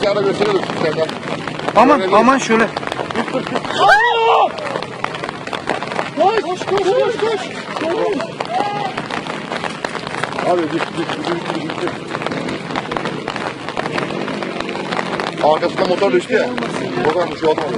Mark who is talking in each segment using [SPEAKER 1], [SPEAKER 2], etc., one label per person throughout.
[SPEAKER 1] bir ara gösteriyorduk Serdar.
[SPEAKER 2] Aman şöyle.
[SPEAKER 1] Koş. Abi git. Arkasında motor düştü ya. Oradan bir şey olmadı.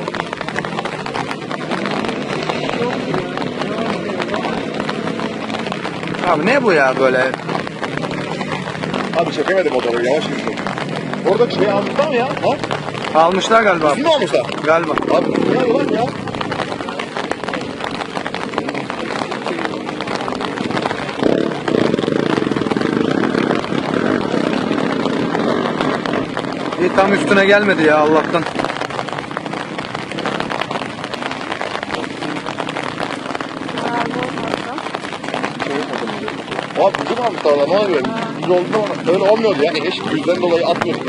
[SPEAKER 2] Abi ne bu ya böyle?
[SPEAKER 1] Abi çekemedim motoru, yavaş gidiyor. Orada şey almışlar mı ya? Ha?
[SPEAKER 2] Almışlar galiba.
[SPEAKER 1] Kim almışlar?
[SPEAKER 2] Galiba.
[SPEAKER 1] Abi ne lan ya?
[SPEAKER 2] İyi, tam üstüne gelmedi ya Allah'tan.
[SPEAKER 1] Abi bizim almışlar lan, ne oluyor? Yüz oldu ama öyle olmuyordu yani. Eş yüzden dolayı atmıyorsun.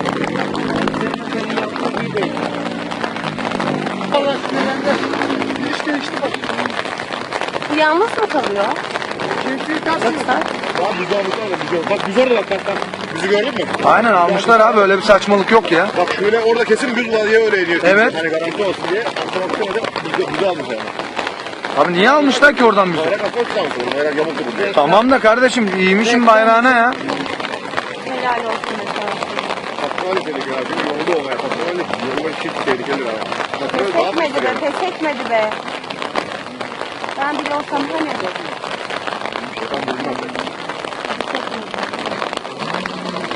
[SPEAKER 3] Allah sinirlendi. İşte bak.
[SPEAKER 4] Bu yalnız mı kalıyor?
[SPEAKER 3] Keyifli tarsın.
[SPEAKER 1] Abi bizi almışlar da bak biz orada bak. Bizi gördün mü?
[SPEAKER 2] Aynen almışlar abi, öyle bir saçmalık yok ya.
[SPEAKER 1] Bak şöyle orada kesin düz var diye öyle iniyor.
[SPEAKER 2] Evet.
[SPEAKER 1] Hani garanti olsun diye. Otomatik bizi almışlar yani.
[SPEAKER 2] Abi niye almışlar ki oradan bizi?
[SPEAKER 1] Bayrak asıl tutamıyorsun. Bayrak yamuk durur.
[SPEAKER 2] Tamam da kardeşim, iyiymişim bayrağına ya.
[SPEAKER 4] Helal olsun mesela.
[SPEAKER 1] Patrol dedik ya. Şimdi yolda olmaya patrol dedik. Yolda çift tehlikeli var. Patrol
[SPEAKER 4] Pes
[SPEAKER 1] daha
[SPEAKER 4] etmedi be,
[SPEAKER 1] tehlikeli.
[SPEAKER 4] pes etmedi be. Ben bile olsam hani.
[SPEAKER 1] Ben bilmem.